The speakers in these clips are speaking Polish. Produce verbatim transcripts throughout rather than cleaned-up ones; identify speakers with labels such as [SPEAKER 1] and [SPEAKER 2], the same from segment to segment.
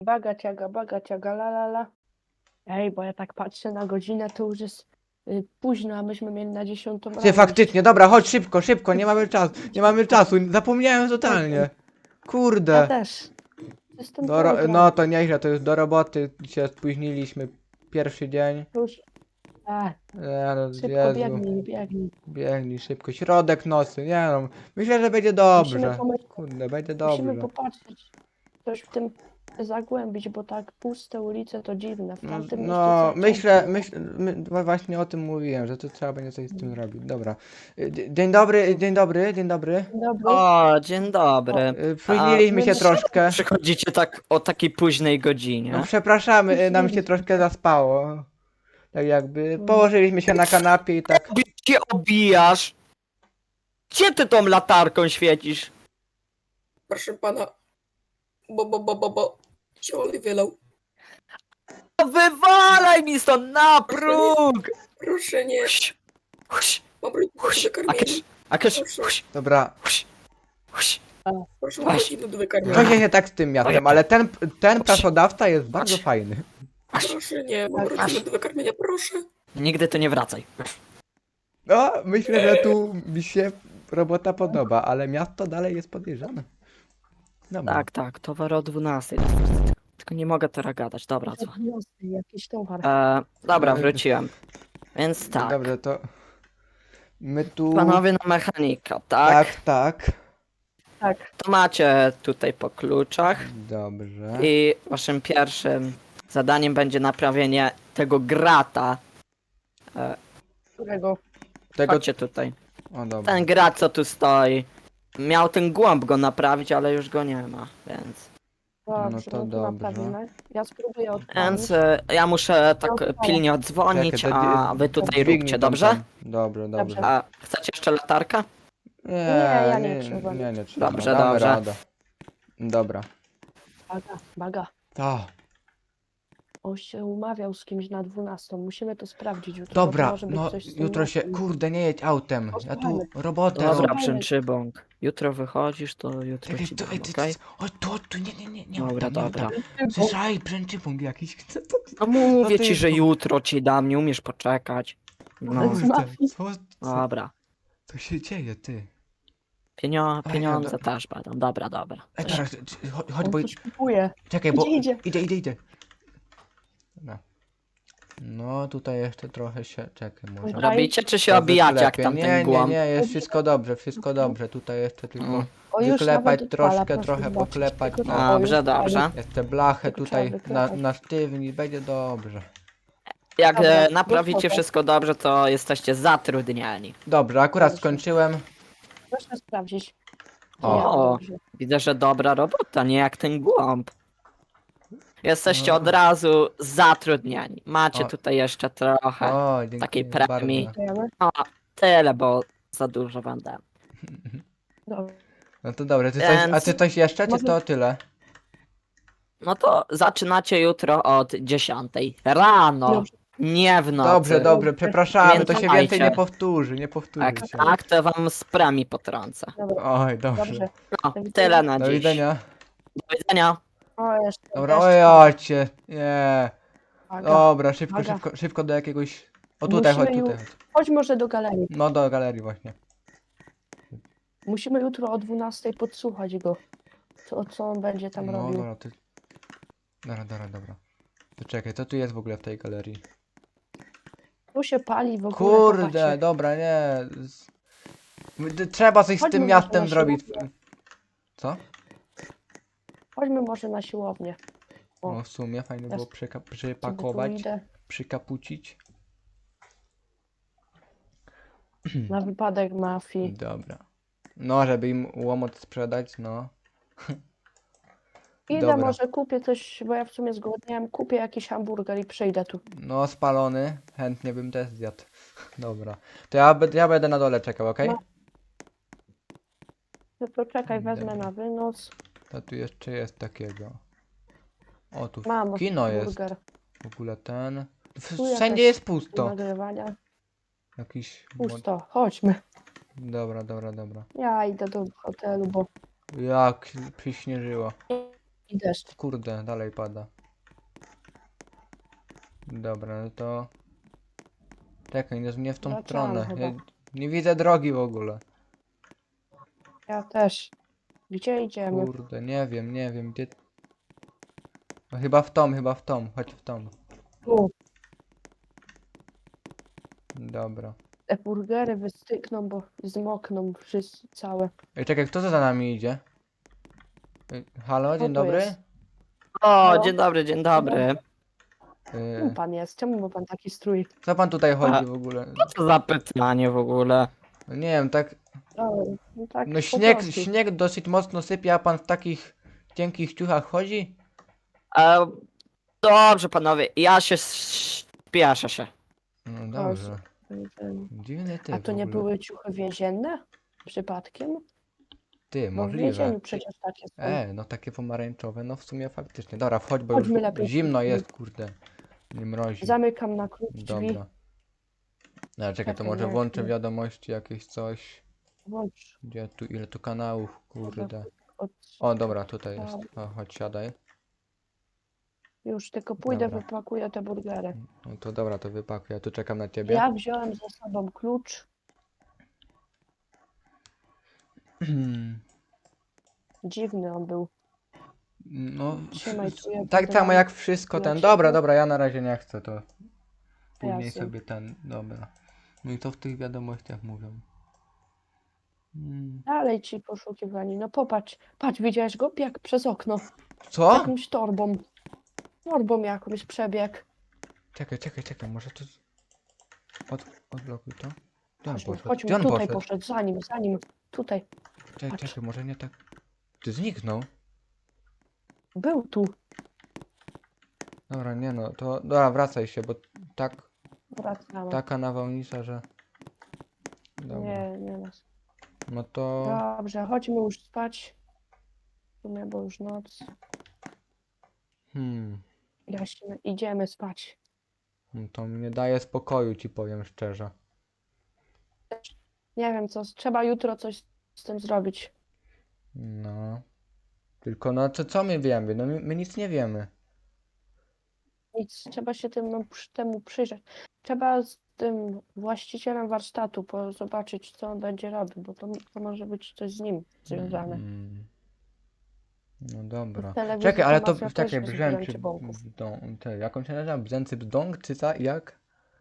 [SPEAKER 1] Baga ciaga, baga ciaga, la la la. Ej, bo ja tak patrzę na godzinę, to już jest y, późno, a myśmy mieli na dziesiątą
[SPEAKER 2] Ty,
[SPEAKER 1] rano iść.
[SPEAKER 2] faktycznie, dobra, chodź szybko, szybko, nie mamy czasu, nie mamy czasu, zapomniałem totalnie.
[SPEAKER 1] Ja
[SPEAKER 2] Kurde.
[SPEAKER 1] też. Jestem
[SPEAKER 2] Do ro
[SPEAKER 1] program.
[SPEAKER 2] no to nieźle, to już do roboty się spóźniliśmy. Pierwszy dzień.
[SPEAKER 1] To już... A,
[SPEAKER 2] Nie no,
[SPEAKER 1] szybko
[SPEAKER 2] Jezu.
[SPEAKER 1] biegnij, biegnij.
[SPEAKER 2] Biegnij szybko, środek nocy, nie no. Myślę, że będzie
[SPEAKER 1] Musimy
[SPEAKER 2] dobrze.
[SPEAKER 1] pomyśleć,
[SPEAKER 2] Kurde, będzie
[SPEAKER 1] musimy
[SPEAKER 2] dobrze.
[SPEAKER 1] popatrzeć, coś w tym zagłębić, bo tak puste ulice to dziwne. W
[SPEAKER 2] No,
[SPEAKER 1] tamtym mieście
[SPEAKER 2] no
[SPEAKER 1] całe
[SPEAKER 2] myślę,
[SPEAKER 1] ciemno.
[SPEAKER 2] myśl, my, właśnie o tym mówiłem, że to trzeba będzie coś z tym zrobić. Dobra. Y, dzie- Dzień dobry, dzień dobry, dzień dobry.
[SPEAKER 1] Dzień dobry.
[SPEAKER 3] O, dzień dobry.
[SPEAKER 2] Y,
[SPEAKER 3] A
[SPEAKER 2] Spóźniliśmy
[SPEAKER 1] my
[SPEAKER 2] się
[SPEAKER 1] na-
[SPEAKER 2] troszkę.
[SPEAKER 3] przychodzicie tak o takiej późnej godzinie?
[SPEAKER 2] No przepraszamy, y, nam się troszkę zaspało. Tak jakby położyliśmy się na kanapie i tak.
[SPEAKER 3] Gdzie obijasz? Gdzie ty tą latarką świecisz?
[SPEAKER 4] Proszę pana, bo, bo, bo, bo, bo się olej wylał.
[SPEAKER 3] No wywalaj mi stąd na próg!
[SPEAKER 4] Proszę nie,
[SPEAKER 3] Huś, huś,
[SPEAKER 4] mam rodziców
[SPEAKER 3] huś,
[SPEAKER 4] do
[SPEAKER 3] akież,
[SPEAKER 4] wykarmienia.
[SPEAKER 3] akież, huś,
[SPEAKER 2] Dobra.
[SPEAKER 3] huś, huś.
[SPEAKER 4] Proszę, mam
[SPEAKER 3] Weź.
[SPEAKER 4] rodziców do
[SPEAKER 2] Co
[SPEAKER 4] wykarmienia.
[SPEAKER 2] się nie tak z tym miastem, ale ten, ten pracodawca jest bardzo fajny.
[SPEAKER 4] Proszę nie, mam rodziców do wykarmienia, proszę.
[SPEAKER 3] Nigdy tu nie wracaj.
[SPEAKER 2] No, myślę, że tu mi się robota podoba, ale miasto dalej jest podejrzane. Dobra.
[SPEAKER 3] Tak, tak, towar o dwunastej. Tylko nie mogę teraz gadać, dobra, co?
[SPEAKER 1] Jakiś towar.
[SPEAKER 3] E, dobra, wróciłem. Więc tak,
[SPEAKER 2] Dobrze, to my tu...
[SPEAKER 3] panowie na mechanika, tak?
[SPEAKER 2] Tak, tak.
[SPEAKER 1] Tak.
[SPEAKER 3] To macie tutaj po kluczach.
[SPEAKER 2] Dobrze.
[SPEAKER 3] I waszym pierwszym zadaniem będzie naprawienie tego grata. E,
[SPEAKER 1] Którego?
[SPEAKER 2] Tego...
[SPEAKER 3] chodźcie tutaj.
[SPEAKER 2] O, dobra.
[SPEAKER 3] Ten grat, co tu stoi. Miał ten głąb go naprawić, ale już go nie ma, więc...
[SPEAKER 1] Dobrze,
[SPEAKER 2] to
[SPEAKER 1] no to
[SPEAKER 2] dobrze.
[SPEAKER 1] naprawimy. Ja spróbuję odpalić.
[SPEAKER 3] Więc e, ja muszę tak
[SPEAKER 1] Odpalę.
[SPEAKER 3] pilnie odzwonić,
[SPEAKER 2] Czekaj, to
[SPEAKER 3] a
[SPEAKER 2] dzi-
[SPEAKER 3] wy tutaj
[SPEAKER 2] dźwignij
[SPEAKER 3] róbcie,
[SPEAKER 2] tam
[SPEAKER 3] dobrze?
[SPEAKER 2] ten. Dobrze, dobrze.
[SPEAKER 1] Dobrze.
[SPEAKER 3] A chcecie jeszcze latarka?
[SPEAKER 2] Nie,
[SPEAKER 1] ja nie
[SPEAKER 2] nie,
[SPEAKER 1] trzeba.
[SPEAKER 2] nie, nie trzeba.
[SPEAKER 3] Dobrze,
[SPEAKER 2] Damy
[SPEAKER 3] dobrze.
[SPEAKER 2] radę. Dobra.
[SPEAKER 1] Baga, baga.
[SPEAKER 2] To.
[SPEAKER 1] On się umawiał z kimś na dwunastą. Musimy to sprawdzić jutro. bo to
[SPEAKER 2] Dobra,
[SPEAKER 1] może być
[SPEAKER 2] no
[SPEAKER 1] coś z tym
[SPEAKER 2] jutro się...
[SPEAKER 1] razem.
[SPEAKER 2] Kurde, nie jedź autem. Ja tu
[SPEAKER 1] Posłuchajmy.
[SPEAKER 2] robotę
[SPEAKER 3] Dobra,
[SPEAKER 2] robię.
[SPEAKER 1] Dobra.
[SPEAKER 3] przęczybąk. Jutro wychodzisz, to jutro
[SPEAKER 2] Czekaj,
[SPEAKER 3] ci
[SPEAKER 2] to,
[SPEAKER 3] dam,
[SPEAKER 2] ej, ty,
[SPEAKER 3] okej?
[SPEAKER 2] o, tu, tu, nie, nie, nie, nie.
[SPEAKER 3] Dobra,
[SPEAKER 2] oddam, nie
[SPEAKER 3] dobra.
[SPEAKER 2] oddam. Słyszaj, pręczypąg jakiś. Co to?
[SPEAKER 3] No mówię
[SPEAKER 2] to
[SPEAKER 3] ci,
[SPEAKER 2] jest
[SPEAKER 3] że
[SPEAKER 2] to?
[SPEAKER 3] jutro ci dam, nie umiesz poczekać. No,
[SPEAKER 1] z
[SPEAKER 2] Kurde,
[SPEAKER 1] mafii.
[SPEAKER 2] co, co,
[SPEAKER 3] dobra.
[SPEAKER 2] co się dzieje, ty?
[SPEAKER 3] Pienio
[SPEAKER 2] Ej,
[SPEAKER 3] pieniądze
[SPEAKER 2] dobra.
[SPEAKER 3] też będą, dobra, dobra.
[SPEAKER 2] Ej, teraz, czy- chodź, chodź,
[SPEAKER 1] On
[SPEAKER 2] bo...
[SPEAKER 1] coś kupuje.
[SPEAKER 2] Czekaj, bo...
[SPEAKER 1] Idzie, idzie.
[SPEAKER 2] Idzie, idzie, idzie. Dobra. No, tutaj jeszcze trochę się... Czekaj, może...
[SPEAKER 1] Dobra.
[SPEAKER 3] Robicie czy się
[SPEAKER 2] To
[SPEAKER 3] obijacie jak
[SPEAKER 2] wyklepię.
[SPEAKER 3] tam
[SPEAKER 2] Nie,
[SPEAKER 3] ten
[SPEAKER 2] nie,
[SPEAKER 3] głąb?
[SPEAKER 2] nie, jest wszystko dobrze, wszystko dobrze. Tutaj jeszcze tylko
[SPEAKER 3] Mm.
[SPEAKER 1] O, już
[SPEAKER 2] wyklepać
[SPEAKER 1] nawet odpala,
[SPEAKER 2] troszkę,
[SPEAKER 1] proszę
[SPEAKER 2] trochę
[SPEAKER 1] zobaczyć.
[SPEAKER 2] poklepać.
[SPEAKER 1] Tylko
[SPEAKER 2] No.
[SPEAKER 1] to- o, już
[SPEAKER 3] Dobrze,
[SPEAKER 1] odpalił.
[SPEAKER 3] dobrze.
[SPEAKER 2] Jeszcze blachę
[SPEAKER 1] Tylko
[SPEAKER 2] tutaj
[SPEAKER 1] trzeba
[SPEAKER 2] na,
[SPEAKER 1] wyklepać.
[SPEAKER 2] na sztywni, będzie dobrze.
[SPEAKER 3] Jak
[SPEAKER 1] Dobra,
[SPEAKER 3] e, naprawicie
[SPEAKER 1] gotowe.
[SPEAKER 3] wszystko dobrze, to jesteście zatrudnieni.
[SPEAKER 2] Dobrze, akurat
[SPEAKER 1] Dobrze.
[SPEAKER 2] skończyłem.
[SPEAKER 1] Proszę sprawdzić.
[SPEAKER 2] O.
[SPEAKER 1] Nie,
[SPEAKER 3] O.
[SPEAKER 1] dobrze.
[SPEAKER 3] Widzę, że dobra robota, nie jak ten głąb. Jesteście
[SPEAKER 2] No.
[SPEAKER 3] od razu zatrudnieni. Macie
[SPEAKER 2] O.
[SPEAKER 3] tutaj jeszcze trochę.
[SPEAKER 2] O, dziękuję
[SPEAKER 3] Takiej
[SPEAKER 2] bardzo.
[SPEAKER 3] premii.
[SPEAKER 1] Dziękujemy.
[SPEAKER 3] O, tyle, bo za dużo wam dam.
[SPEAKER 1] Dobrze.
[SPEAKER 2] No to dobrze, ty coś, a
[SPEAKER 3] Więc-
[SPEAKER 2] ty coś jeszcze, czy
[SPEAKER 1] Może-
[SPEAKER 2] to tyle?
[SPEAKER 3] No to zaczynacie jutro od dziesiątej rano.
[SPEAKER 1] Dobrze.
[SPEAKER 3] Nie w nocy.
[SPEAKER 2] Dobrze, dobrze, przepraszamy, to się
[SPEAKER 3] Pamiętajcie.
[SPEAKER 2] więcej nie powtórzy, nie powtórzy
[SPEAKER 3] Jak
[SPEAKER 2] się.
[SPEAKER 3] tak, to wam z premii potrącę.
[SPEAKER 1] Dobra,
[SPEAKER 2] Oj, dobrze.
[SPEAKER 1] dobrze.
[SPEAKER 3] No,
[SPEAKER 1] Do widzenia.
[SPEAKER 3] tyle na
[SPEAKER 2] Do
[SPEAKER 3] dziś.
[SPEAKER 2] widzenia.
[SPEAKER 3] Do widzenia.
[SPEAKER 1] O, jeszcze.
[SPEAKER 2] Dobra,
[SPEAKER 1] jeszcze.
[SPEAKER 2] oj, ocie, nie.
[SPEAKER 1] Baga.
[SPEAKER 2] Dobra, szybko,
[SPEAKER 1] Baga.
[SPEAKER 2] szybko, szybko do jakiegoś... O tutaj, chodź,
[SPEAKER 1] Musimy
[SPEAKER 2] tutaj.
[SPEAKER 1] ju-
[SPEAKER 2] chodź.
[SPEAKER 1] Chodź może do galerii.
[SPEAKER 2] No do galerii właśnie.
[SPEAKER 1] Musimy jutro o dwunastej podsłuchać go. Co, co on będzie tam
[SPEAKER 2] No
[SPEAKER 1] robił.
[SPEAKER 2] dobra, ty... Dobra, dobra, dobra. To czekaj, co tu jest w ogóle w tej galerii?
[SPEAKER 1] Tu się pali w ogóle.
[SPEAKER 2] Kurde,
[SPEAKER 1] popatrzcie.
[SPEAKER 2] dobra, nie. Z- d- Trzeba coś z
[SPEAKER 1] Chodźmy
[SPEAKER 2] tym
[SPEAKER 1] może
[SPEAKER 2] miastem
[SPEAKER 1] na
[SPEAKER 2] zrobić.
[SPEAKER 1] siłownię.
[SPEAKER 2] Co?
[SPEAKER 1] Chodźmy może na siłownię. O,
[SPEAKER 2] No w sumie fajnie
[SPEAKER 1] ja
[SPEAKER 2] było
[SPEAKER 1] s-
[SPEAKER 2] przyka-
[SPEAKER 1] Sobie tu
[SPEAKER 2] przypakować,
[SPEAKER 1] idę
[SPEAKER 2] przykapucić.
[SPEAKER 1] na wypadek mafii.
[SPEAKER 2] Dobra. No, żeby im łomot sprzedać, no.
[SPEAKER 1] Idę
[SPEAKER 2] Dobra.
[SPEAKER 1] może kupię coś, bo ja w sumie zgłodniałem. Kupię jakiś hamburger i przyjdę tu.
[SPEAKER 2] No, spalony. Chętnie bym też zjadł. Dobra. To ja, be- ja będę na dole czekał, okej?
[SPEAKER 1] No. No to czekaj, wezmę
[SPEAKER 2] Dobra.
[SPEAKER 1] na wynos.
[SPEAKER 2] To tu jeszcze jest takiego. O, tu
[SPEAKER 1] Mam
[SPEAKER 2] kino jest.
[SPEAKER 1] hamburger.
[SPEAKER 2] W ogóle ten. W-
[SPEAKER 1] Tu
[SPEAKER 2] Wszędzie
[SPEAKER 1] jakaś
[SPEAKER 2] jest
[SPEAKER 1] do
[SPEAKER 2] pusto.
[SPEAKER 1] nagrywania.
[SPEAKER 2] Jakiś... mod-
[SPEAKER 1] Pusto, chodźmy.
[SPEAKER 2] Dobra, dobra, dobra.
[SPEAKER 1] Ja idę do hotelu, bo
[SPEAKER 2] Jak przyśnieżyło.
[SPEAKER 1] I deszcz.
[SPEAKER 2] Kurde, dalej pada. Dobra, no to... Czekaj, nie, nie w tą
[SPEAKER 1] Wracamy
[SPEAKER 2] stronę.
[SPEAKER 1] chyba.
[SPEAKER 2] Ja nie widzę drogi w ogóle.
[SPEAKER 1] Ja też. Gdzie idziemy?
[SPEAKER 2] Kurde, nie wiem, nie wiem, gdzie... No chyba w tą, chyba w tą, chodź w tą.
[SPEAKER 1] Tu.
[SPEAKER 2] Dobra.
[SPEAKER 1] Te burgery wystykną, bo zmokną wszyscy całe.
[SPEAKER 2] Ej, czekaj, kto to za nami idzie? Ej, halo, dzień
[SPEAKER 1] to
[SPEAKER 2] dobry?
[SPEAKER 1] jest?
[SPEAKER 3] O,
[SPEAKER 1] Halo?
[SPEAKER 3] dzień dobry, dzień dobry.
[SPEAKER 1] Kim
[SPEAKER 2] Yy,
[SPEAKER 1] pan jest? Czemu ma pan taki strój?
[SPEAKER 2] co pan tutaj
[SPEAKER 3] A-
[SPEAKER 2] chodzi w ogóle?
[SPEAKER 3] Co za pytanie w ogóle?
[SPEAKER 2] No nie wiem, tak...
[SPEAKER 1] O, no tak
[SPEAKER 2] No
[SPEAKER 1] po
[SPEAKER 2] śnieg,
[SPEAKER 1] prostu.
[SPEAKER 2] śnieg dosyć mocno sypie, a pan w takich cienkich ciuchach chodzi?
[SPEAKER 3] E, dobrze, panowie, ja się spieszę się.
[SPEAKER 2] No dobrze.
[SPEAKER 1] Ten-
[SPEAKER 2] Dziwny ty
[SPEAKER 1] A
[SPEAKER 2] w
[SPEAKER 1] to nie
[SPEAKER 2] ogóle.
[SPEAKER 1] były ciuchy więzienne? Przypadkiem?
[SPEAKER 2] Ty,
[SPEAKER 1] Bo w
[SPEAKER 2] możliwe.
[SPEAKER 1] więzieniu przecież takie są.
[SPEAKER 2] E, no takie pomarańczowe, no w sumie faktycznie. Dobra, wchodź, bo
[SPEAKER 1] Chodźmy
[SPEAKER 2] już
[SPEAKER 1] lepiej.
[SPEAKER 2] zimno jest, kurde. Nie mrozi.
[SPEAKER 1] Zamykam na klucz drzwi.
[SPEAKER 2] Dobra. No czekaj, to
[SPEAKER 1] Czekaj,
[SPEAKER 2] może
[SPEAKER 1] jak
[SPEAKER 2] włączę
[SPEAKER 1] nie-
[SPEAKER 2] wiadomości jakieś coś.
[SPEAKER 1] Włącz.
[SPEAKER 2] Gdzie tu, ile tu kanałów, kurde.
[SPEAKER 1] Od...
[SPEAKER 2] O, dobra, tutaj jest. O, chodź, siadaj.
[SPEAKER 1] Już tylko pójdę,
[SPEAKER 2] Dobra.
[SPEAKER 1] wypakuję te burgery.
[SPEAKER 2] No to dobra, to wypakuję, ja tu czekam na ciebie.
[SPEAKER 1] Ja wziąłem ze sobą klucz. Dziwny on był.
[SPEAKER 2] No,
[SPEAKER 1] Trzymaj tu, ja
[SPEAKER 2] tak
[SPEAKER 1] będę
[SPEAKER 2] samo
[SPEAKER 1] mam
[SPEAKER 2] jak wszystko
[SPEAKER 1] dla
[SPEAKER 2] ten. Dobra,
[SPEAKER 1] ciebie.
[SPEAKER 2] dobra, ja na razie nie chcę, to później
[SPEAKER 1] Jasne.
[SPEAKER 2] sobie ten, dobra. No i to w tych wiadomościach mówią. Mm.
[SPEAKER 1] Dalej ci poszukiwani. No popatrz, patrz, widziałeś go? Jak przez okno.
[SPEAKER 2] Co?
[SPEAKER 1] Jakąś torbą. Torbą jakąś przebieg.
[SPEAKER 2] Czekaj, czekaj, czekaj, może to... Od, odblokuj to. Gdzie on
[SPEAKER 1] Chodźmy,
[SPEAKER 2] poszedł?
[SPEAKER 1] chodźmy,
[SPEAKER 2] Gdzie on
[SPEAKER 1] tutaj
[SPEAKER 2] poszedł?
[SPEAKER 1] poszedł, za nim, za nim. Tutaj.
[SPEAKER 2] Czekaj,
[SPEAKER 1] patrz.
[SPEAKER 2] czekaj, może nie tak... Ty zniknął?
[SPEAKER 1] Był tu.
[SPEAKER 2] Dobra, nie no, to... Dobra, wracaj się, bo tak...
[SPEAKER 1] Wracamy.
[SPEAKER 2] Taka nawałnica, że... Dobra.
[SPEAKER 1] Nie, nie nas.
[SPEAKER 2] No to...
[SPEAKER 1] Dobrze, chodźmy już spać. W sumie, bo już noc.
[SPEAKER 2] Hmm...
[SPEAKER 1] Jaśnie, idziemy spać.
[SPEAKER 2] No to mi nie daje spokoju, ci powiem szczerze.
[SPEAKER 1] Nie wiem co, trzeba jutro coś z tym zrobić.
[SPEAKER 2] No... Tylko no, co, co my wiemy? No my, my nic nie wiemy.
[SPEAKER 1] Nic, trzeba się tym, przy- temu przyjrzeć. Trzeba z tym właścicielem warsztatu po, zobaczyć, co on będzie robił, bo to, to może być coś z nim związane.
[SPEAKER 2] Mm. No dobra.
[SPEAKER 1] W telewizji
[SPEAKER 2] Czekaj, ale to
[SPEAKER 1] mafia też
[SPEAKER 2] czekaj,
[SPEAKER 1] jest
[SPEAKER 2] brzęczy
[SPEAKER 1] brzęczy bąków.
[SPEAKER 2] bdą, te, jak on się nazywa? Brzęcy bzdąg, czy co? Jak?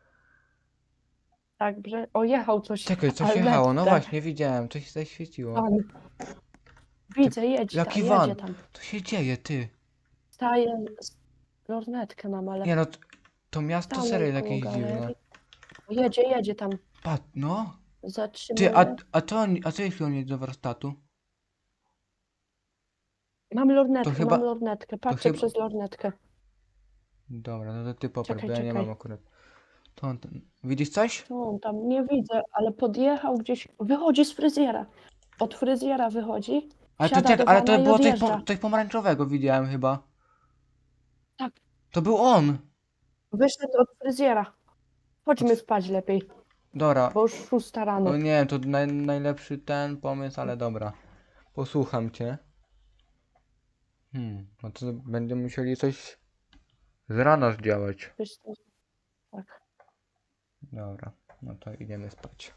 [SPEAKER 1] Tak, że o, jechał coś.
[SPEAKER 2] Czekaj, coś
[SPEAKER 1] ale
[SPEAKER 2] jechało, no
[SPEAKER 1] tak.
[SPEAKER 2] właśnie, widziałem, coś się zaświeciło.
[SPEAKER 1] Van. Widzę, jedź
[SPEAKER 2] jaki
[SPEAKER 1] tam,
[SPEAKER 2] van?
[SPEAKER 1] jedzie tam.
[SPEAKER 2] Co się dzieje, ty?
[SPEAKER 1] Staję, z- lornetkę mam, ale
[SPEAKER 2] Nie no, t- to miasto
[SPEAKER 1] stanę
[SPEAKER 2] serio jest
[SPEAKER 1] koło
[SPEAKER 2] jakieś dziwne.
[SPEAKER 1] galerii. Jedzie, jedzie tam.
[SPEAKER 2] Pat, no.
[SPEAKER 1] Zatrzymuje.
[SPEAKER 2] Ty, a, a co on, a co jeśli on jedzie do warsztatu?
[SPEAKER 1] Mam lornetkę,
[SPEAKER 2] chyba-
[SPEAKER 1] mam lornetkę. Patrzę
[SPEAKER 2] chyba-
[SPEAKER 1] przez lornetkę.
[SPEAKER 2] Dobra, no to ty popatrz,
[SPEAKER 1] Czekaj,
[SPEAKER 2] bo ja nie
[SPEAKER 1] czekaj.
[SPEAKER 2] mam akurat. To on, ten- widzisz coś?
[SPEAKER 1] Co on tam? Nie widzę, ale podjechał gdzieś. Wychodzi z fryzjera. Od fryzjera wychodzi.
[SPEAKER 2] Ale to
[SPEAKER 1] Siada
[SPEAKER 2] czekaj,
[SPEAKER 1] do
[SPEAKER 2] ale
[SPEAKER 1] wana
[SPEAKER 2] to
[SPEAKER 1] i
[SPEAKER 2] było coś,
[SPEAKER 1] odjeżdża.
[SPEAKER 2] po, coś pomarańczowego widziałem chyba.
[SPEAKER 1] Tak.
[SPEAKER 2] To był on.
[SPEAKER 1] Wyszedł od fryzjera. Chodźmy spać lepiej,
[SPEAKER 2] Dobra.
[SPEAKER 1] bo już szósta rano.
[SPEAKER 2] O nie, to naj, najlepszy ten pomysł, ale dobra. Posłucham cię. Hmm, no to będziemy musieli coś z rana zdziałać.
[SPEAKER 1] Wiesz co? Tak.
[SPEAKER 2] Dobra, no to idziemy spać.